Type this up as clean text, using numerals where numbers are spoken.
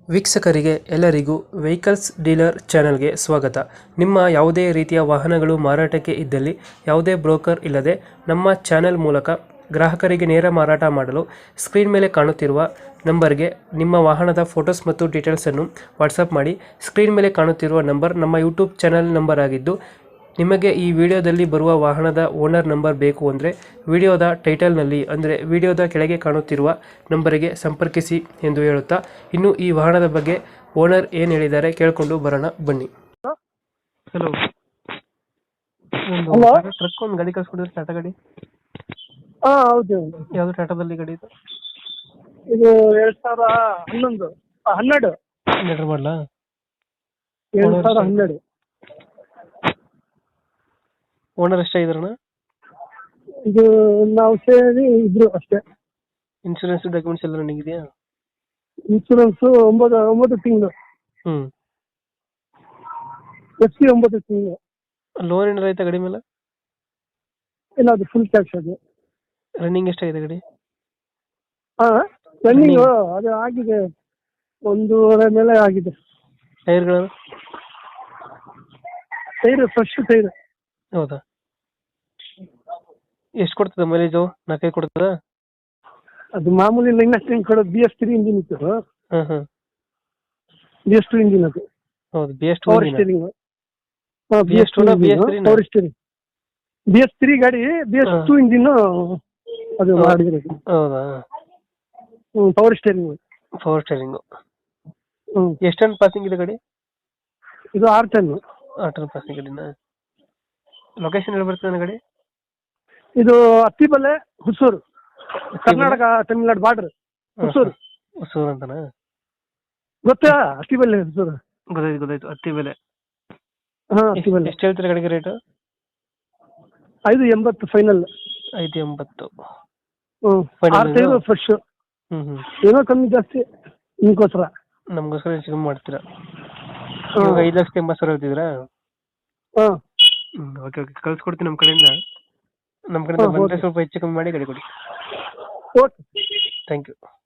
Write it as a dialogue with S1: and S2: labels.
S1: ವೀಕ್ಷಕರಿಗೆ ಎಲ್ಲರಿಗೂ vehicles dealer ಚಾನೆಲ್ಗೆ ಸ್ವಾಗತ. ನಿಮ್ಮ ಯಾವುದೇ ರೀತಿಯ ವಾಹನಗಳು ಮಾರಾಟಕ್ಕೆ ಇದ್ದಲ್ಲಿ ಯಾವುದೇ ಬ್ರೋಕರ್ ಇಲ್ಲದೆ ನಮ್ಮ ಚಾನೆಲ್ ಮೂಲಕ ಗ್ರಾಹಕರಿಗೆ ನೇರ ಮಾರಾಟ ಮಾಡಲು ಸ್ಕ್ರೀನ್ ಮೇಲೆ ಕಾಣುತ್ತಿರುವ ನಂಬರ್ಗೆ ನಿಮ್ಮ ವಾಹನದ ಫೋಟೋಸ್ ಮತ್ತು ಡೀಟೇಲ್ಸನ್ನು ವಾಟ್ಸಪ್ ಮಾಡಿ. ಸ್ಕ್ರೀನ್ ಮೇಲೆ ಕಾಣುತ್ತಿರುವ ನಂಬರ್ ನಮ್ಮ ಯೂಟ್ಯೂಬ್ ಚಾನೆಲ್ ನಂಬರ್ ಆಗಿದ್ದು, ನಿಮಗೆ ಈ ವಿಡಿಯೋದಲ್ಲಿ ಬರುವ ವಾಹನದ ಓನರ್ ನಂಬರ್ ಬೇಕು ಅಂದರೆ ವಿಡಿಯೋದ ಟೈಟಲ್ನಲ್ಲಿ ಅಂದರೆ ವಿಡಿಯೋದ ಕೆಳಗೆ ಕಾಣುತ್ತಿರುವ ನಂಬರಿಗೆ ಸಂಪರ್ಕಿಸಿ ಎಂದು ಹೇಳುತ್ತಾ, ಇನ್ನು ಈ ವಾಹನದ ಬಗ್ಗೆ ಓನರ್ ಏನು ಹೇಳಿದ್ದಾರೆ ಕೇಳಿಕೊಂಡು ಬರೋಣ ಬನ್ನಿ. Hello,
S2: hello.
S1: ಟ್ರಕ್ ಒಂದು ಗಾಡಿ ಕಳ್ಸ್ಕೊಡಿದ್ರೆ, ಟಾಟಾ ಗಾಡಿ.
S2: ಹಾ, ಹೌದು.
S1: ಯಾವುದು ಟಾಟಾದಲ್ಲಿ ಗಾಡಿ ಇದು?
S2: ಇದು 2011 12
S1: 12 ಮಾಡಲಾ?
S2: 2012.
S1: ಓನರ್ ಎಷ್ಟಾಗಿದಾರಣ?
S2: ಇದು ನಾವು ಸೇರಿ ಇಬ್ರು ಅಷ್ಟೇ.
S1: ಇನ್ಶೂರೆನ್ಸ್ ಡಾಕ್ಯುಮೆಂಟ್ಸ್ ಎಲ್ಲ ರನ್ನಿಂಗ್ ಇದೆಯಾ?
S2: ಇನ್ಶೂರೆನ್ಸ್ 9 ತಿಂಗಳು, FC 9 ತಿಂಗಳು.
S1: ಲೋನ್ ಏನಾರ ಆಯ್ತಾ ಗಾಡಿ ಮೇಲೆ?
S2: ಇಲ್ಲ, ಅದು ಫುಲ್ ಕ್ಯಾಶ್ ಅದು.
S1: ರನ್ನಿಂಗ್ ಎಷ್ಟಾಗಿದೆ ಗಾಡಿ?
S2: ಹಾ, ರನ್ನಿಂಗ್ ಅದು ಆಗಿದೆ, 1.5 ಮೇಲೆ ಆಗಿದೆ.
S1: ಟೈರ್ಗಳು?
S2: Tyre fresh tyre.
S1: ಹೌದಾ? ಎಷ್ಟು ಕೊಡ್ತದ ಮೈಲೇಜು? 4 ಕೊಡ್ತದ?
S2: ಅದು ಮಾಮೂಲಿ ಲೈನ್ ಕೊಡೋದು. BS3 ಇಂಜಿನ್ ಇತ್ತು. BS2 ಇಂಜಿನ್ ಅದು.
S1: ಹೌದು, BS2
S2: ಪವರ್ ಸ್ಟೀರಿಂಗ್.
S1: BS2 ನ BS3 ನ?
S2: Power steering. BS3 ಗಾಡಿ, BS2 ಇಂಜಿನ್ ಅದು ಮಾಡಿದ್ರೆ.
S1: ಹೌದಾ?
S2: Power steering.
S1: Power steering. ಎಷ್ಟು ಟನ್ ಪಾಸಿಂಗ್ ಇದೆ ಗಾಡಿ?
S2: ಇದು 6 ಟನ್.
S1: 6 ಟನ್ ಪಾಸಿಂಗ್ ಗಾಡಿನ? ಲೊಕೇಶನ್ ಎಲ್ಲಿ ಬರ್ತದೆ ಗಾಡಿ?
S2: ಇದು ಅತ್ತಿಬೆಲೆ, ಹುಸೂರು, ಕರ್ನಾಟಕ ತಮಿಳ್ನಾಡು ಬಾರ್ಡರ್. ಹುಸೂರು.
S1: ಹೊಸೂರು ಅಂತನಾ?
S2: ಗೊತ್ತಾ? ಅತ್ತಿಬೆಲೆ, ಹುಸೂರು.
S1: ಗೊತ್ತಾಯ್ತು. ಹತ್ತಿ ಬೆಲೆ.
S2: ಹಾ, ಅತ್ತಿಬೆಲೆ.
S1: ಎಷ್ಟು ಹೇಳ್ತೀರಾ ಗಾಡಿಗೆ ರೇಟು?
S2: 580 ಫೈನಲ್.
S1: 580.
S2: 6 tyre fresh. ಏನೋ ಕಮ್ಮಿ ಜಾಸ್ತಿ ನಿಮ್ಗೋಸ್ಕರ.
S1: ನಮ್ಗೋಸ್ಕರ ಹೆಚ್ಚು ಕಮ್ಮಿ ಮಾಡ್ತೀರಾ? 5,80,000 ಹೇಳ್ತಿದ್ರಾ?
S2: ಹಾ,
S1: ಓಕೆ. ಕಳ್ಸ್ಕೊಡ್ತೀನಿ ನಮ್ಮ ಕಡೆಯಿಂದ. ಬಂದರೆ ಸ್ವಲ್ಪ ಹೆಚ್ಚು ಕಮ್ಮಿ ಮಾಡಿ ಗಾಡಿ ಕೊಡಿ.
S2: ಓಕೆ.
S1: Thank you.